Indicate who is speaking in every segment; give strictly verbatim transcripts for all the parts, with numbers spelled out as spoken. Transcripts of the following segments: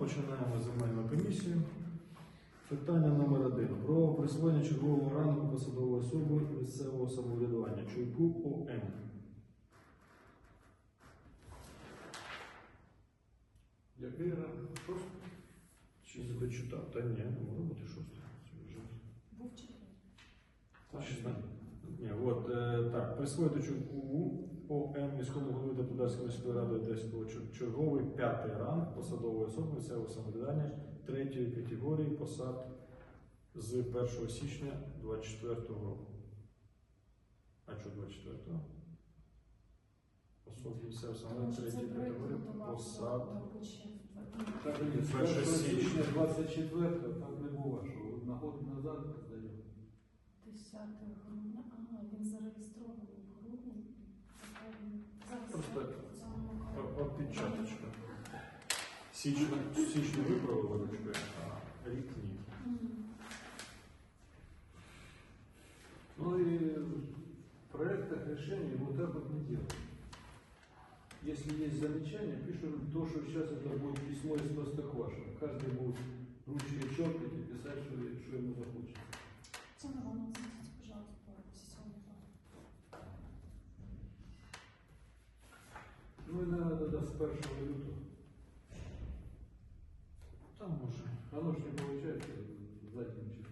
Speaker 1: починаємо земельну комісію. Питання номер один. Про присвоєння чергового рангу посадової особи місцевого самоврядування Чуйку О М.
Speaker 2: Який ранг? Шостий?
Speaker 1: Чи не дочитав? Та ні, не може бути шостий.
Speaker 3: Був четвертий.
Speaker 1: Шістнадцять. Ні, от, е, так, присвоїти Чуйку О М міському голові Депутатської міської ради Одеського черговий п'ятий ранг посадової особи місцевого самоврядування третьої категорії посад з першого січня двадцять четвертого року. А що двадцять четвертого? Особи місцевого самоврядування третьої категорії посад.
Speaker 2: Так, ні, з першого січня двадцять четвертого так не було, що на год назад здаємо.
Speaker 3: десятого грудня. Ага, він зареєстрований в грудні.
Speaker 1: Просто опечаточка. Січні, січні виправили ручкою, а рік ні.
Speaker 2: Ну и в проектах решений вот так вот не делают. Если есть замечания, пишут то, что сейчас это будет письмо из Простоквашино. Каждый будет ручкой черкать и писать, что, что ему захочется.
Speaker 3: Це не воно, зайдіть, пожалуйста, по сесійному плану.
Speaker 2: Ну и надо да, с первого лютого.
Speaker 1: Там може.
Speaker 2: Оно ж не получается задним числом.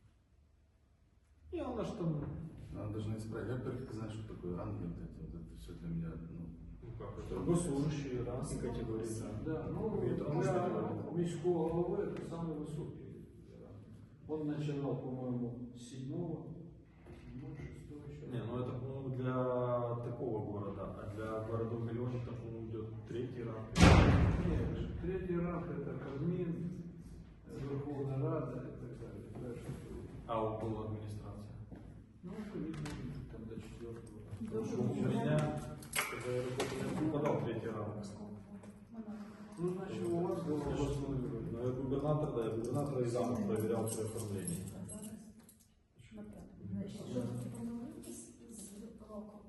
Speaker 1: И она ж там...
Speaker 4: Надо даже не исправить. Я, во-первых, не знаю, что такое ангел. Вот это все для меня, ну...
Speaker 1: Ну как это? Госслужащие, раз, категории, да.
Speaker 2: Да, ну
Speaker 1: Это может быть.
Speaker 2: для міського голови это самый высокий. Он начинал, по-моему, с седьмого, седьмого, шестого еще.
Speaker 1: Не, ну это, по-моему, для такого города, а для городов-миллионников, по-моему, идет третий ранг.
Speaker 2: Нет, третий ранг это Кабмин, Верховная Рада и так далее. Дальше.
Speaker 1: А около администрации?
Speaker 2: Ну, видно, там до четвертого.
Speaker 1: Потому что у меня, когда я работал, я попадал в третий ранг.
Speaker 2: Ну, значит, у вас было областной уровень.
Speaker 1: Но я губернатор, да, я губернатор и зам проверял все оформление.
Speaker 3: Значить, що таке помилки з роком?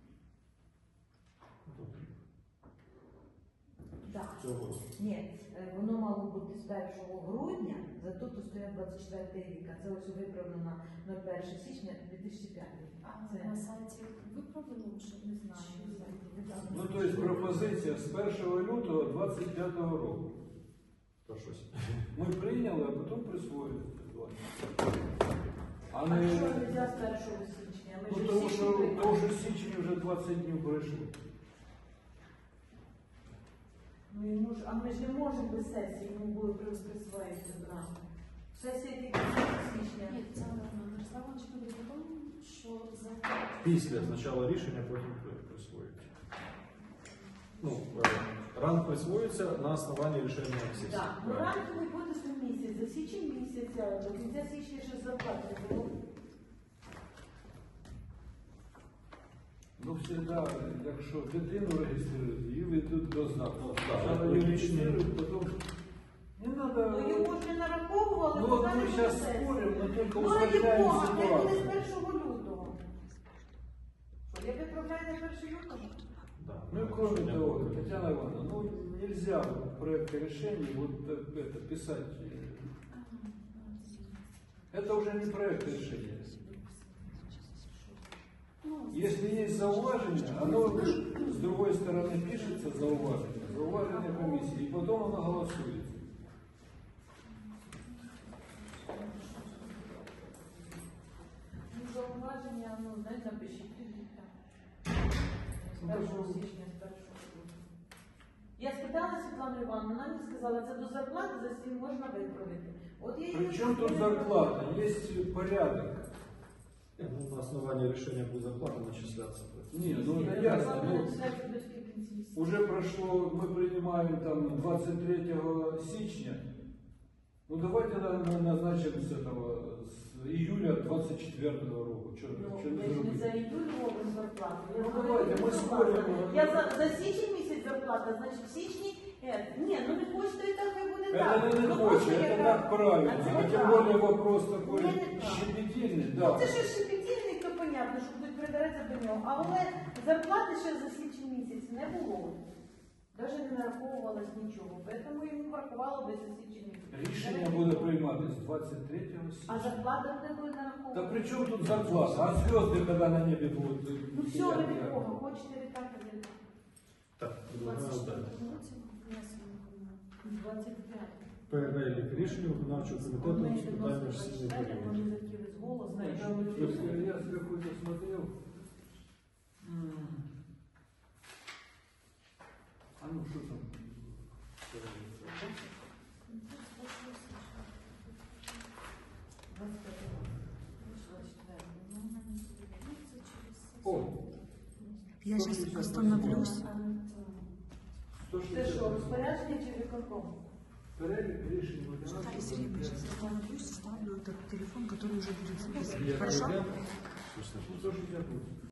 Speaker 5: Так.
Speaker 1: Цього.
Speaker 5: Ні, е, воно мало бути з першого грудня, зато тут стоїть двадцять четвертий рік, а це ось виправлено на перше січня дві тисячі п'ятого.
Speaker 3: А
Speaker 5: Це
Speaker 3: на сайті виправлено вже?
Speaker 5: не знаю, не знаю.
Speaker 2: Ну, то есть пропозиція з першого лютого двадцять п'ятого року.
Speaker 1: То щось.
Speaker 2: Ми прийняли, а потім присвоїли. А
Speaker 5: А
Speaker 2: не...
Speaker 5: що нельзя з першого січня? Ми
Speaker 2: Ну,
Speaker 5: ж
Speaker 2: тому
Speaker 5: всі
Speaker 2: що,
Speaker 5: прийняли.
Speaker 2: тому що в січні вже двадцять днів пройшло.
Speaker 5: Ну, йому ж, а ми ж не можемо без сесії, йому були присвоїти зранку. Сесія тільки з січня.
Speaker 3: Ні, це Мирослав Іванович буде потім, що за...
Speaker 1: Після спочатку рішення, потім присвоюють. Ну, ранг присвоюється на основанні рішення сесії.
Speaker 5: Так, ну ранковий буде за місяць, за січень місяця, до кінця січня ще зарплати не було.
Speaker 2: Ну, всегда, якщо дитину реєструють, її ведуть до знаку.
Speaker 1: Ну, так,
Speaker 2: Спочатку
Speaker 1: це
Speaker 2: її
Speaker 1: логічно.
Speaker 2: реєструють, потім... Не надо...
Speaker 5: Ну його ж не нараховували,
Speaker 2: Ну,
Speaker 5: бо
Speaker 2: от
Speaker 5: далі
Speaker 2: ми
Speaker 5: буде
Speaker 2: зараз
Speaker 5: сесія.
Speaker 2: споримо, ми тільки
Speaker 5: Ну, раді
Speaker 2: ускладняємо
Speaker 5: Бога, хай буде з
Speaker 2: ситуацію.
Speaker 5: першого лютого. Що, я виправляю на першого лютого?
Speaker 1: Да.
Speaker 2: Ну, кроме того, Татьяна Ивановна, ну, нельзя в проекте решений вот это писать. Это уже не проект решения. Если есть зауважение, оно с другой стороны пишется зауважение, зауважение комиссии, и потом оно голосуется.
Speaker 5: Ну, зауваження, ну, знаєте, напишіть. З першого січня, з першого лютого. Я спитала Світлану Івановну, вона мені сказала, це до зарплати, за сім можна виправити. От я їй
Speaker 2: Причем тут
Speaker 5: сказала,
Speaker 2: зарплата, есть порядок.
Speaker 1: Ну, на основании решения будет зарплата начисляться.
Speaker 2: Не, ну
Speaker 5: ні,
Speaker 2: это
Speaker 5: зарплата
Speaker 2: ясно. Ну,
Speaker 5: начисляється до кінці місяця.
Speaker 2: уже прошло, мы принимаем там двадцать третьего січня. Ну давайте на- на- назначим с этого, с июля двадцать четвертого року. Что,
Speaker 5: Ну,
Speaker 2: что не
Speaker 5: я ж не за
Speaker 2: зробити?
Speaker 5: іюль робимо зарплату. Я
Speaker 2: Ну,
Speaker 5: знаю,
Speaker 2: давайте,
Speaker 5: що
Speaker 2: ми
Speaker 5: зарплата.
Speaker 2: споримо.
Speaker 5: Я за, за січень місяць зарплата, значить в січні... Е, ні, ну не хочете, і так хай буде так.
Speaker 2: Это не, не
Speaker 5: Ну,
Speaker 2: хочет,
Speaker 5: може,
Speaker 2: это
Speaker 5: яка-
Speaker 2: так правильно.
Speaker 5: А це
Speaker 2: А
Speaker 5: не
Speaker 2: тем
Speaker 5: так.
Speaker 2: более вопрос такой
Speaker 5: Це не так.
Speaker 2: щепетильный,
Speaker 5: Ну,
Speaker 2: да.
Speaker 5: це ж шепетільник, то понятно, що будуть придереться до нього. Але зарплати ще за січень місяць не було. Навіть не нараховувалось нічого, тому йому врахувало без засічення.
Speaker 2: Рішення буде прийматися двадцять третього
Speaker 5: А
Speaker 2: січня.
Speaker 5: зарплата не буде
Speaker 2: Да
Speaker 5: нараховуватися.
Speaker 2: при чем тут зарплата? А звезды, когда на небе будут?
Speaker 5: Ну все, ви від кого? Хочете від так, від так.
Speaker 1: Так,
Speaker 3: двадцять
Speaker 1: предлагаю далі.
Speaker 3: четвертому році внесено виконання.
Speaker 5: двадцять п'ять.
Speaker 1: Перелік рішень виконавчого комітету з питань міжсесійної період.
Speaker 5: Вони закили з голосу.
Speaker 2: Если я с какой-то смотрел. м, А ну что там? О,
Speaker 6: Я сейчас остановлюсь.
Speaker 5: Це що, розпорядження чи виконком?
Speaker 2: перелік рішень
Speaker 6: Наталья
Speaker 2: виконавчого
Speaker 6: Сергеевна,
Speaker 2: комітету.
Speaker 6: сейчас остановлюсь, ставлю этот телефон, который уже будет записан.
Speaker 2: Я
Speaker 6: Хорошо?
Speaker 2: пройдем. сто шестьдесят восемь.